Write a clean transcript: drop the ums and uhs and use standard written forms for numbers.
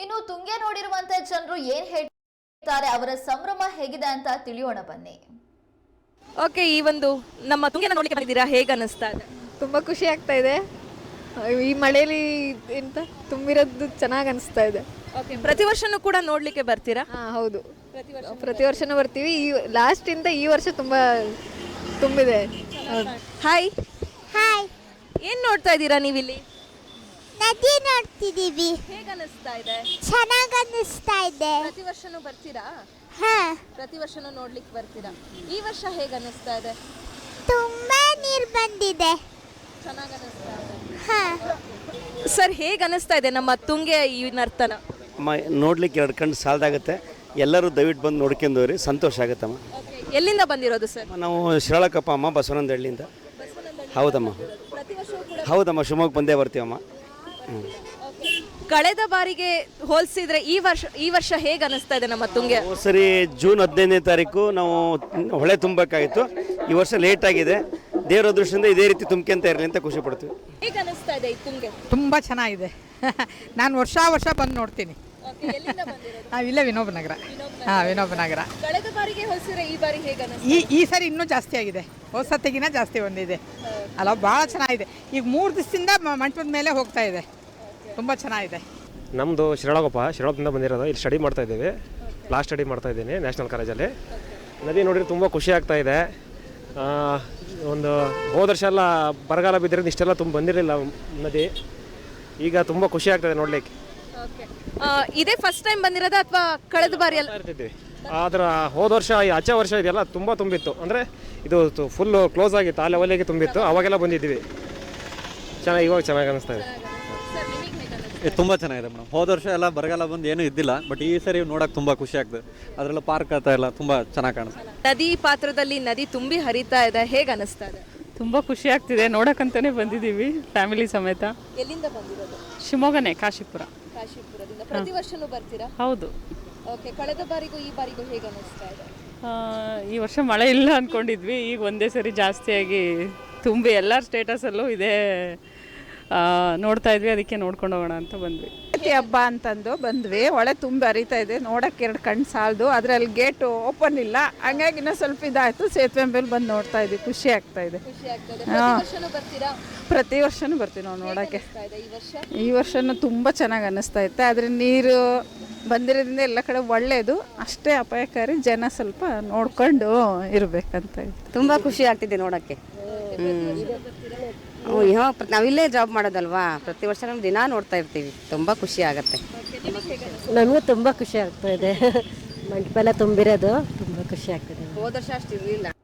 ಇನ್ನು ತುಂಗೆ ನೋಡಿರುವಂತ ಜನರು ಏನ್ ಹೇಳ್ತಾರೆ, ಅವರ ಸಂಭ್ರಮ ಹೇಗಿದೆ ಅಂತ ತಿಳಿಯೋಣ ಬನ್ನಿ. ಓಕೆ, ಈ ಒಂದು ನಮ್ಮ ತುಂಗೆನ ನೋಡ್ಲಿಕ್ಕೆ ಬಂದಿದ್ದೀರಾ, ಹೇಗೆ ಅನಿಸ್ತಾ ಇದೆ? ತುಂಬ ಖುಷಿ ಆಗ್ತಾ ಇದೆ. ಈ ಮಳೆಯಲ್ಲಿ ಎಂತ ತುಂಬಿರೋದು ಚೆನ್ನಾಗಿ ಅನಿಸ್ತಾ ಇದೆ. ಓಕೆ, ಪ್ರತಿ ವರ್ಷನೂ ಕೂಡ ನೋಡ್ಲಿಕ್ಕೆ ಬರ್ತೀರಾ? ಹಾಂ ಹೌದು, ಪ್ರತಿ ವರ್ಷನೂ ಬರ್ತೀವಿ. ಈ ಲಾಸ್ಟಿಂದ ಈ ವರ್ಷ ತುಂಬ ತುಂಬಿದೆ. ಹಾಯ್ ಹಾಯ್, ಏನು ನೋಡ್ತಾ ಇದ್ದೀರಾ ನೀವಿಲ್ಲಿ? ನದಿ ನೋಡ್ತಿದ್ದೀವಿ. ಹೇಗೆ ಅನಿಸ್ತಾ ಇದೆ? ಚೆನ್ನಾಗಿ ಅನ್ನಿಸ್ತಾ ಇದೆ. ಪ್ರತಿ ವರ್ಷನೂ ಬರ್ತೀರಾ? ಹಾ, ಪ್ರತಿ ವರ್ಷನೂ ನೋಡ್ಲಿಕ್ಕೆ ಬರ್ತೀರಾ? ಈ ವರ್ಷ ಹೇಗೆ ಅನಿಸ್ತಾ ಇದೆ? ತುಂಬಾ ನೀರು ಬಂದಿದೆ. ಚೆನ್ನಾಗಿ ಅನಿಸ್ತಾ ಇದೆ. ಹಾ, ಸರ್, ಹೇಗೆ ಅನಿಸ್ತಾ ಇದೆ ನಮ್ಮ ತುಂಗೆ ಈ ನರ್ತನ? ನೋಡ್ಲಿಕ್ಕೆ ಎರಡು ಕಣ್ಣು ಸಾಲದಾಗುತ್ತೆ. ಎಲ್ಲರೂ ದಯವಿಟ್ಟು ಬಂದು ನೋಡ್ಕೊಂಡವ್ರಿ, ಸಂತೋಷ ಆಗುತ್ತಮ್ಮ. ಎಲ್ಲಿಂದ ಬಂದಿರೋದು ಸರ್? ನಾವು ಶಿರಾಳಕಪ್ಪ ಅಮ್ಮ, ಬಸವನಂದಹಳ್ಳಿಯಿಂದ. ಹೌದಮ್ಮ, ಹೌದಮ್ಮ, ಶಿವಮೊಗ್ಗ ಬಂದೇ ಬರ್ತೀವಮ್ಮ. ಕಳೆದ ಬಾರಿಗೆ ಹೋಲಿಸಿದ್ರೆ ಈ ವರ್ಷ ಹೇಗೆ ಅನಿಸ್ತಾ ಇದೆ ನಮ್ಮ ತುಂಗೆ? ಸರಿ, ಜೂನ್ 15ನೇ ತಾರೀಕು ನಾವು ಹೊಳೆ ತುಂಬಬೇಕಾಗಿತ್ತು. ಈ ವರ್ಷ ಲೇಟ್ ಆಗಿದೆ. ದೇವರ ದೃಷ್ಟಿಯಿಂದ ಇದೇ ರೀತಿ ತುಂಬ್ಕೊಂತ ಇರಲಿ ಅಂತ ಖುಷಿ ಪಡ್ತೀವಿ. ಹೇಗೆ ಅನಿಸ್ತಾ ಇದೆ ಈ ತುಂಗೆ? ತುಂಬ ಚೆನ್ನಾಗಿದೆ. ನಾನು ವರ್ಷ ಬಂದು ನೋಡ್ತೀನಿ. ನಾವಿಲ್ಲ ವಿನೋಬನಗರ. ಹಾಂ, ವಿನೋಬನಗರ. ಕಳೆದ ಬಾರಿಗೆ ಹೋಲಿಸಿದ್ರೆ ಈ ಬಾರಿ ಹೇಗೆ ಅನಿಸ್ತಾ? ಈ ಸರಿ ಇನ್ನೂ ಜಾಸ್ತಿ ಆಗಿದೆ. ಹೋದ ಸತಿಗಿನ ಜಾಸ್ತಿ ಬಂದಿದೆ ಅಲ್ಲ, ಭಾಳ ಚೆನ್ನಾಗಿದೆ. ಈಗ 3 ದಿವಸದಿಂದ ಮಂಟಪದ ಮೇಲೆ ಹೋಗ್ತಾ ಇದೆ. ತುಂಬ ಚೆನ್ನಾಗಿದೆ. ನಮ್ಮದು ಶಿರಾಳದಿಂದ ಬಂದಿರೋದು. ಇಲ್ಲಿ ಸ್ಟಡಿ ಮಾಡ್ತಾ ಇದ್ದೀವಿ. ಲಾಸ್ಟ್ ಸ್ಟಡಿ ಮಾಡ್ತಾ ಇದ್ದೀನಿ ನ್ಯಾಷನಲ್ ಕಾಲೇಜಲ್ಲಿ. ನದಿ ನೋಡಿದ್ರೆ ತುಂಬ ಖುಷಿ ಆಗ್ತಾ ಇದೆ. ಒಂದು ಹೋದ ವರ್ಷ ಎಲ್ಲ ಬರಗಾಲ ಬಿದ್ದಿರೋದು ಇಷ್ಟೆಲ್ಲ ತುಂಬ ಬಂದಿರಲಿಲ್ಲ ನದಿ. ಈಗ ತುಂಬ ಖುಷಿ ಆಗ್ತಾಯಿದೆ ನೋಡ್ಲಿಕ್ಕೆ. ಇದೇ ಫಸ್ಟ್ ಟೈಮ್ ಬಂದಿರೋದ ಅಥವಾ ಕಳೆದ ಬಾರಿ ಎಲ್ಲ ಇರ್ತಿದ್ವಿ? ಆದ್ರೆ ಹೋದ ವರ್ಷ, ಈ ಆಚೆ ವರ್ಷ ಇದೆಲ್ಲ ತುಂಬ ತುಂಬಿತ್ತು. ಅಂದರೆ ಇದು ಫುಲ್ಲು ಕ್ಲೋಸ್ ಆಗಿತ್ತು, ಆ ಲೆವೆಲಿಗೆ ತುಂಬಿತ್ತು. ಅವಾಗೆಲ್ಲ ಬಂದಿದ್ವಿ. ಇವಾಗ ಚೆನ್ನಾಗಿ ಅನಿಸ್ತಾ ಇದೆ. ತುಂಬ ಚೆನ್ನಾಗಿದೆ ಮೇಡಮ್. ಹೋದ ವರ್ಷ ಎಲ್ಲ ಬರಗಾಲ ಬಂದು ಏನೂ ಇದ್ದಿಲ್ಲ, ಬಟ್ ಈ ಸರಿ ನೋಡೋಕೆ ತುಂಬ ಖುಷಿ ಆಗ್ತದೆ. ಅದರೆಲ್ಲ ಪಾರ್ಕ್ ಆಗ್ತಾ ಎಲ್ಲ ತುಂಬ ಚೆನ್ನಾಗಿ ಕಾಣಿಸ್ತದೆ. ನದಿ ಪಾತ್ರದಲ್ಲಿ ನದಿ ತುಂಬಿ ಹರಿತಾ ಇದೆ, ಹೇಗೆ ಅನಿಸ್ತಾ ಇದೆ? ತುಂಬ ಖುಷಿ ಆಗ್ತಿದೆ. ನೋಡೋಕ್ಕಂತಾನೆ ಬಂದಿದ್ದೀವಿ ಫ್ಯಾಮಿಲಿ ಸಮೇತ. ಎಲ್ಲಿಂದ ಬಂದಿರೋದು? ಶಿವಮೊಗ್ಗನೇ, ಕಾಶಿಪುರ. ಕಾಶಿಪುರದಿಂದ. ಪ್ರತಿ ವರ್ಷನೂ ಬರ್ತೀರಾ? ಹೌದು. ಓಕೆ, ಕಳೆದ ಬಾರಿಗೂ ಈ ಬಾರಿಗೂ ಹೇಗೆ ಅನಿಸ್ತಾ ಇದೆ? ಈ ವರ್ಷ ಮಳೆ ಇಲ್ಲ ಅಂದ್ಕೊಂಡಿದ್ವಿ. ಈಗ ಒಂದೇ ಸರಿ ಜಾಸ್ತಿಯಾಗಿ ತುಂಬಿ ಎಲ್ಲರ ಸ್ಟೇಟಸಲ್ಲೂ ಇದೇ ನೋಡ್ತಾ ಇದ್ವಿ. ಅದಕ್ಕೆ ನೋಡ್ಕೊಂಡು ಹೋಗೋಣ ಅಂತ ಬಂದ್ವಿ. ಹಬ್ಬ ಅಂತಂದು ಬಂದ್ವಿ. ಹೊಳೆ ತುಂಬ ಹರಿತಾ ಇದೆ. ನೋಡೋಕ್ಕೆ 2 ಕಣ್ಣು ಸಾಲದು. ಅದರಲ್ಲಿ ಗೇಟು ಓಪನ್ ಇಲ್ಲ, ಹಂಗಾಗಿ ಇನ್ನೂ ಸ್ವಲ್ಪ ಇದಾಯಿತು. ಸೇತುವೆ ಮೇಲೆ ಬಂದು ನೋಡ್ತಾ ಇದ್ವಿ. ಖುಷಿ ಆಗ್ತಾ ಇದೆ. ಪ್ರತಿ ವರ್ಷನೂ ಬರ್ತೀವಿ ನಾವು ನೋಡೋಕ್ಕೆ. ಈ ವರ್ಷನೂ ತುಂಬ ಚೆನ್ನಾಗಿ ಅನ್ನಿಸ್ತಾ ಇತ್ತು. ಆದರೆ ನೀರು ಬಂದಿರೋದ್ರಿಂದ ಎಲ್ಲ ಕಡೆ ಒಳ್ಳೆಯದು, ಅಷ್ಟೇ ಅಪಾಯಕಾರಿ. ಜನ ಸ್ವಲ್ಪ ನೋಡ್ಕೊಂಡು ಇರಬೇಕಂತ ಇತ್ತು. ತುಂಬ ಖುಷಿ ಆಗ್ತಿದೆ ನೋಡೋಕ್ಕೆ. ನಾವಿಲ್ಲೇ ಜಾಬ್ ಮಾಡೋದಲ್ವಾ, ಪ್ರತಿ ವರ್ಷ ನಾವು ದಿನ ನೋಡ್ತಾ ಇರ್ತೀವಿ. ತುಂಬ ಖುಷಿ ಆಗುತ್ತೆ. ನಮಗೂ ತುಂಬ ಖುಷಿ ಆಗ್ತಾ ಇದೆ. ಮಂಟಪ ಎಲ್ಲ ತುಂಬಿರೋದು ತುಂಬ ಖುಷಿ ಆಗ್ತದೆ. ಹೋದ ವರ್ಷ ಅಷ್ಟು ಇರಲಿಲ್ಲ.